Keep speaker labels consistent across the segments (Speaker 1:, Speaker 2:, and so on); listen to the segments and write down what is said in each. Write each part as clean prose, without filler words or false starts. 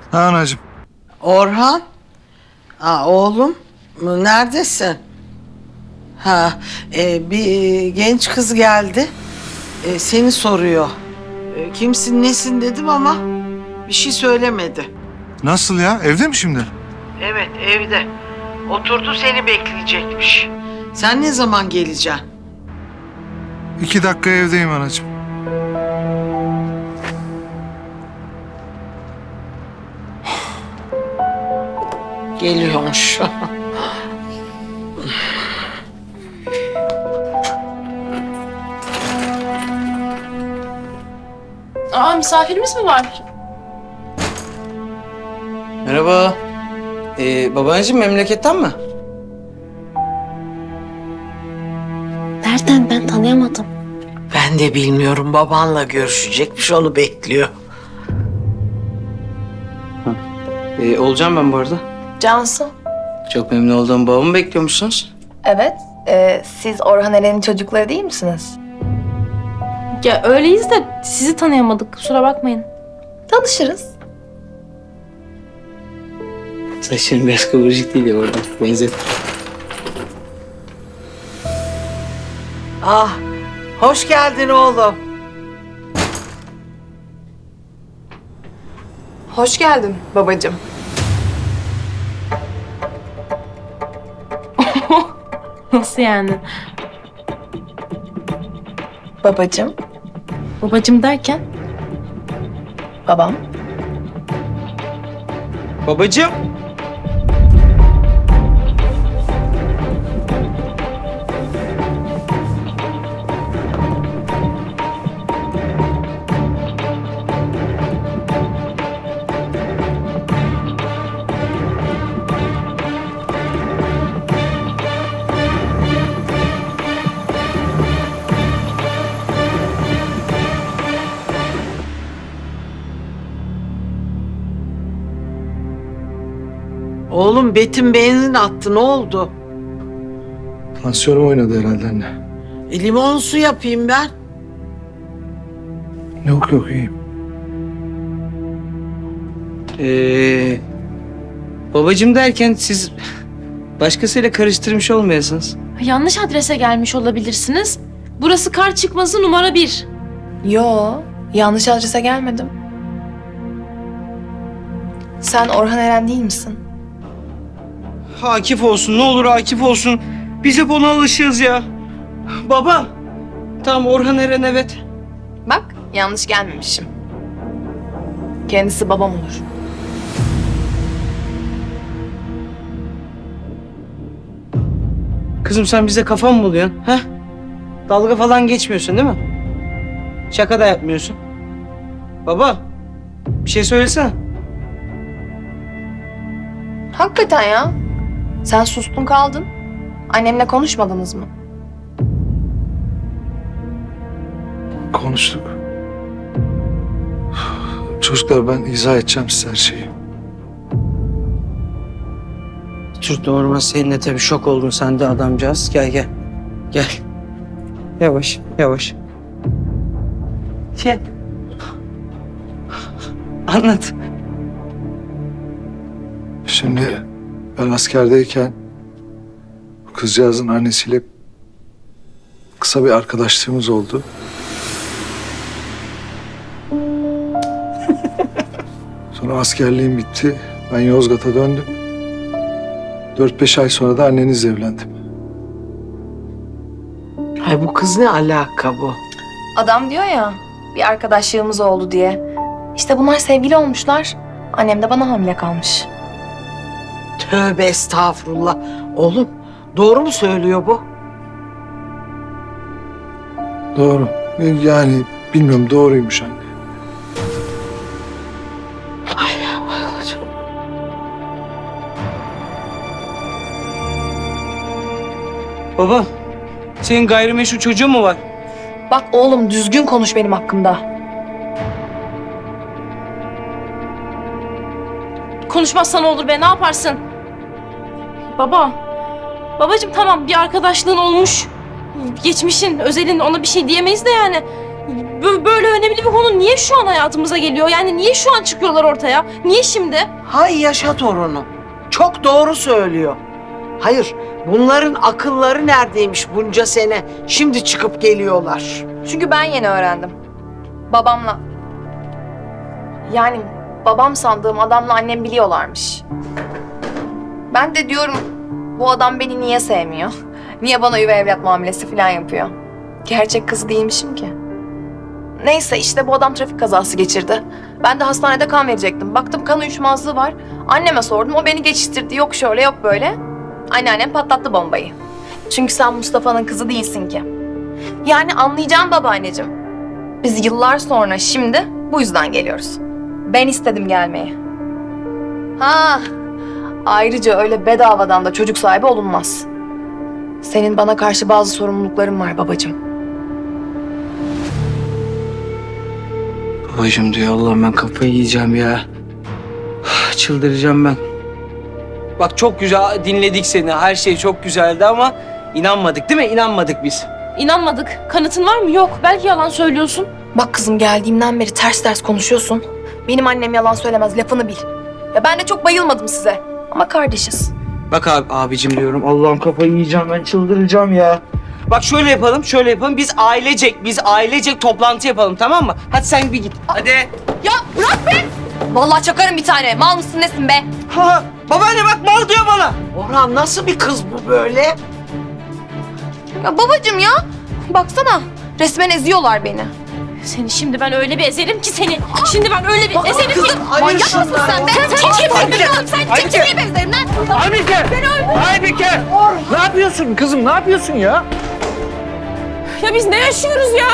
Speaker 1: Ha anacığım.
Speaker 2: Orhan. Oğlum neredesin? Bir genç kız geldi. Seni soruyor. Kimsin nesin dedim ama bir şey söylemedi.
Speaker 1: Nasıl ya? Evde mi şimdi?
Speaker 2: Evet evde. Oturdu seni bekleyecekmiş. Sen ne zaman geleceksin?
Speaker 1: 2 dakika evdeyim anacığım.
Speaker 2: Geliyormuş.
Speaker 3: Misafirimiz mi var?
Speaker 4: Merhaba. Babaanneciğim memleketten mi?
Speaker 3: Nereden? Ben tanıyamadım.
Speaker 2: Ben de bilmiyorum. Babanla görüşecekmiş, onu bekliyor.
Speaker 4: Olacağım ben bu arada.
Speaker 5: Cansu.
Speaker 4: Çok memnun oldum. Babamı bekliyormuşsunuz.
Speaker 5: Evet. Siz Orhan Eren'in çocukları değil misiniz?
Speaker 3: Ya öyleyiz de sizi tanıyamadık. Kusura bakmayın.
Speaker 5: Tanışırız.
Speaker 4: Saçların biraz kıvırcık değil ya oradan. Benzet.
Speaker 2: Hoş geldin oğlum.
Speaker 5: Hoş geldin babacığım.
Speaker 3: Nasıl yani?
Speaker 5: Babacığım.
Speaker 3: Babacım derken?
Speaker 5: Babam.
Speaker 4: Babacığım.
Speaker 2: Oğlum Betim benzin attı, ne oldu?
Speaker 1: Tansiyonum oynadı herhalde anne.
Speaker 2: Limon su yapayım ben.
Speaker 1: Yok iyiyim.
Speaker 4: Babacığım derken siz başkasıyla karıştırmış olmayasınız.
Speaker 3: Yanlış adrese gelmiş olabilirsiniz. Burası kar çıkmazı numara 1.
Speaker 5: Yo, yanlış adrese gelmedim. Sen Orhan Eren değil misin?
Speaker 4: Akif olsun ne olur Akif olsun. Biz hep ona alışığız ya. Baba. Tamam Orhan Eren evet.
Speaker 5: Bak, yanlış gelmemişim. Kendisi babam olur.
Speaker 4: Kızım sen bize kafa mı buluyorsun? He? Dalga falan geçmiyorsun değil mi? Şaka da yapmıyorsun. Baba. Bir şey söylesene.
Speaker 5: Hakikaten ya. Sen sustun kaldın. Annemle konuşmadınız mı?
Speaker 1: Konuştuk. Çocuklar ben izah edeceğim size her şeyi.
Speaker 4: Türk normal senin de tabii şok oldun sen de adamcağız. Gel gel. Gel. Yavaş yavaş. Gel. Anlat.
Speaker 1: Şimdi ben askerdeyken bu kızcağızın annesiyle kısa bir arkadaşlığımız oldu. Sonra askerliğim bitti. Ben Yozgat'a döndüm. 4-5 ay sonra da annenizle evlendim.
Speaker 2: Ay bu kız ne alaka bu?
Speaker 5: Adam diyor ya, bir arkadaşlığımız oldu diye. İşte bunlar sevgili olmuşlar. Annem de bana hamile kalmış.
Speaker 2: Tövbe estağfurullah. Oğlum doğru mu söylüyor bu?
Speaker 1: Doğru. Yani bilmiyorum doğruymuş anne.
Speaker 4: Baba. Senin gayrimeşru çocuğun mu var?
Speaker 5: Bak oğlum düzgün konuş benim hakkımda.
Speaker 3: Konuşmazsan olur be, ne yaparsın? Baba. Babacığım tamam, bir arkadaşlığın olmuş. Geçmişin, özelin, ona bir şey diyemeyiz de yani. böyle önemli bir konu niye şu an hayatımıza geliyor? Yani niye şu an çıkıyorlar ortaya? Niye şimdi?
Speaker 2: Hay yaşa torunu. Çok doğru söylüyor. Hayır, bunların akılları neredeymiş bunca sene? Şimdi çıkıp geliyorlar.
Speaker 5: Çünkü ben yeni öğrendim. Babamla. Yani babam sandığım adamla annem biliyorlarmış. Ben de diyorum bu adam beni niye sevmiyor? Niye bana üvey evlat muamelesi falan yapıyor? Gerçek kızı değilmişim ki. Neyse işte bu adam trafik kazası geçirdi. Ben de hastanede kan verecektim. Baktım kan uyuşmazlığı var. Anneme sordum. O beni geçiştirdi. Yok şöyle yok böyle. Anneannem patlattı bombayı. Çünkü sen Mustafa'nın kızı değilsin ki. Yani anlayacağım babaanneciğim. Biz yıllar sonra şimdi bu yüzden geliyoruz. Ben istedim gelmeyi. Ha. Ayrıca öyle bedavadan da çocuk sahibi olunmaz. Senin bana karşı bazı sorumlulukların var babacığım.
Speaker 4: Babacığım diyor Allah'ım ben kafayı yiyeceğim ya. Çıldıracağım ben. Bak çok güzel dinledik seni. Her şey çok güzeldi ama inanmadık değil mi? İnanmadık biz.
Speaker 3: İnanmadık. Kanıtın var mı? Yok. Belki yalan söylüyorsun.
Speaker 5: Bak kızım geldiğimden beri ters ters konuşuyorsun. Benim annem yalan söylemez lafını bil. Ya ben de çok bayılmadım size. Ama kardeşiz.
Speaker 4: Bak abicim diyorum. Allah'ım kafayı yiyeceğim ben çıldıracağım ya. Bak şöyle yapalım, şöyle yapalım. Biz ailecek toplantı yapalım tamam mı? Hadi sen bir git. Hadi.
Speaker 5: Ya bırak be! Vallahi çakarım bir tane. Mal mısın nesin be?
Speaker 4: Ha, babaanne bak mal diyor bana.
Speaker 2: Orhan nasıl bir kız bu böyle?
Speaker 5: Ya babacığım ya. Baksana resmen eziyorlar beni.
Speaker 3: Seni şimdi ben öyle bir ezerim ki seni. Şimdi ben öyle bir ezerim ki.
Speaker 2: Ayır
Speaker 5: Manyak mısın sen be? Sen çekil benzerim lan.
Speaker 1: Aybike! Aybike! Ne yapıyorsun kızım? Ne yapıyorsun ya?
Speaker 3: Ya biz ne yaşıyoruz ya?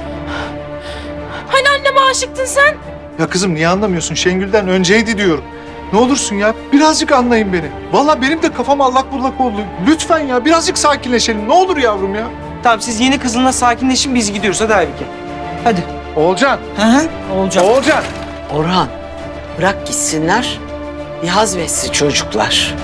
Speaker 3: Hani anneme aşıktın sen?
Speaker 1: Ya kızım niye anlamıyorsun? Şengül'den önceydi diyorum. Ne olursun ya birazcık anlayın beni. Vallahi benim de kafam allak bullak oldu. Lütfen ya birazcık sakinleşelim. Ne olur yavrum ya.
Speaker 4: Tamam siz yeni kızınla sakinleşin biz gidiyoruz hadi Aybike. Hadi.
Speaker 1: Oğulcan.
Speaker 4: Hı. Olacak.
Speaker 1: Oğulcan.
Speaker 2: Orhan, bırak gitsinler. Bir hazmetsin çocuklar.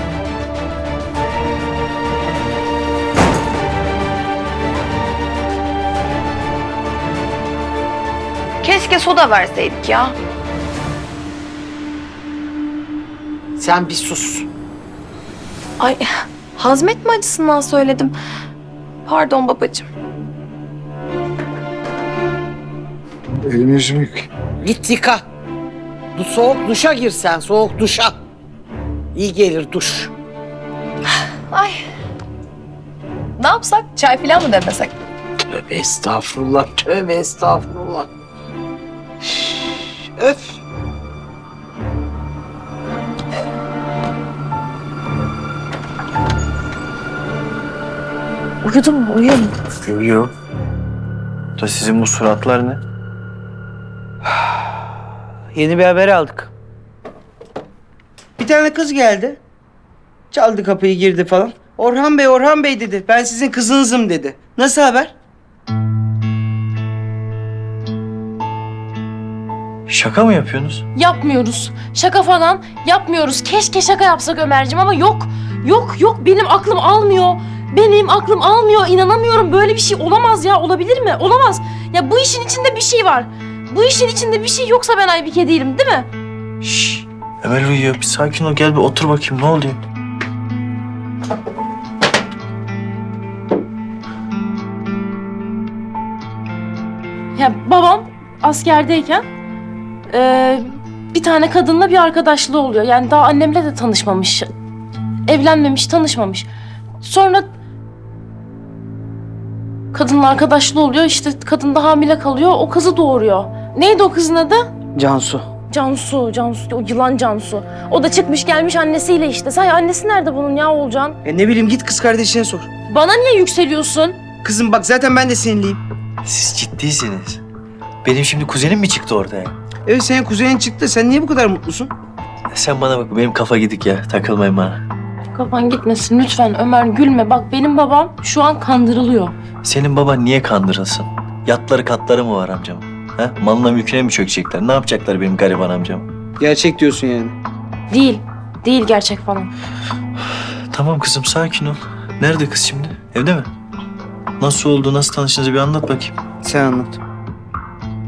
Speaker 5: Keşke soda verseydik ya.
Speaker 2: Sen bir sus.
Speaker 5: Ay hazmetme acısından söyledim. Pardon babacığım.
Speaker 1: Elimi yüzümü yıkayım.
Speaker 2: Git yıka. Soğuk duşa gir sen, soğuk duşa. İyi gelir duş.
Speaker 5: Ay. Ne yapsak? Çay falan mı demesek?
Speaker 2: Tövbe estağfurullah, tövbe estağfurullah. Öf.
Speaker 3: Uyudun mu? Uyuyor mu?
Speaker 6: Uyuyor. Da sizin bu suratlar ne?
Speaker 4: Yeni bir haber aldık. Bir tane kız geldi. Çaldı kapıyı girdi falan. Orhan Bey dedi. Ben sizin kızınızım dedi. Nasıl haber?
Speaker 6: Şaka mı yapıyorsunuz?
Speaker 3: Yapmıyoruz. Şaka falan yapmıyoruz. Keşke şaka yapsak Ömerciğim ama yok. Yok. Benim aklım almıyor. Benim aklım almıyor. İnanamıyorum. Böyle bir şey olamaz ya. Olabilir mi? Olamaz. Ya bu işin içinde bir şey var. Bu işin içinde bir şey yoksa ben Aybike değilim değil mi?
Speaker 6: Şşş. Emel uyuyor. Bir sakin ol. Gel bir otur bakayım. Ne oluyor?
Speaker 3: Ya babam askerdeyken bir tane kadınla bir arkadaşlığı oluyor. Yani daha annemle de tanışmamış. Evlenmemiş, tanışmamış. Sonra kadınla arkadaşlığı oluyor. İşte kadın da hamile kalıyor. O kızı doğuruyor. Neydi o kızın adı?
Speaker 4: Cansu.
Speaker 3: Cansu, o yılan Cansu. O da çıkmış gelmiş annesiyle işte. Say annesi nerede bunun ya Oğulcan?
Speaker 4: Ne bileyim git kız kardeşine sor.
Speaker 3: Bana niye yükseliyorsun?
Speaker 4: Kızım bak zaten ben de seninleyim.
Speaker 6: Siz ciddiysiniz. Benim şimdi kuzenim mi çıktı ortaya?
Speaker 4: Evet senin kuzenin çıktı. Sen niye bu kadar mutlusun?
Speaker 6: Sen bana bak. Benim kafa gidik ya. Takılmayın bana.
Speaker 3: Kafan gitmesin lütfen Ömer gülme. Bak benim babam şu an kandırılıyor.
Speaker 6: Senin baban niye kandırılsın? Yatları katları mı var amcamın? Ha? Malına mülküne mi çökecekler? Ne yapacaklar benim gariban amcam?
Speaker 4: Gerçek diyorsun yani.
Speaker 3: Değil gerçek falan.
Speaker 6: Tamam kızım sakin ol. Nerede kız şimdi? Evde mi? Nasıl oldu? Nasıl tanıştınız bir anlat bakayım.
Speaker 4: Sen anlat.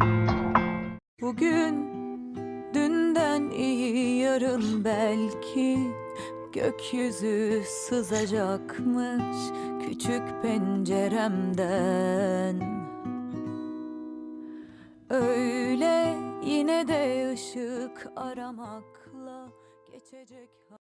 Speaker 7: iyi yarın belki gökyüzü sızacakmış küçük penceremden. Öyle yine de ışık aramakla geçecek.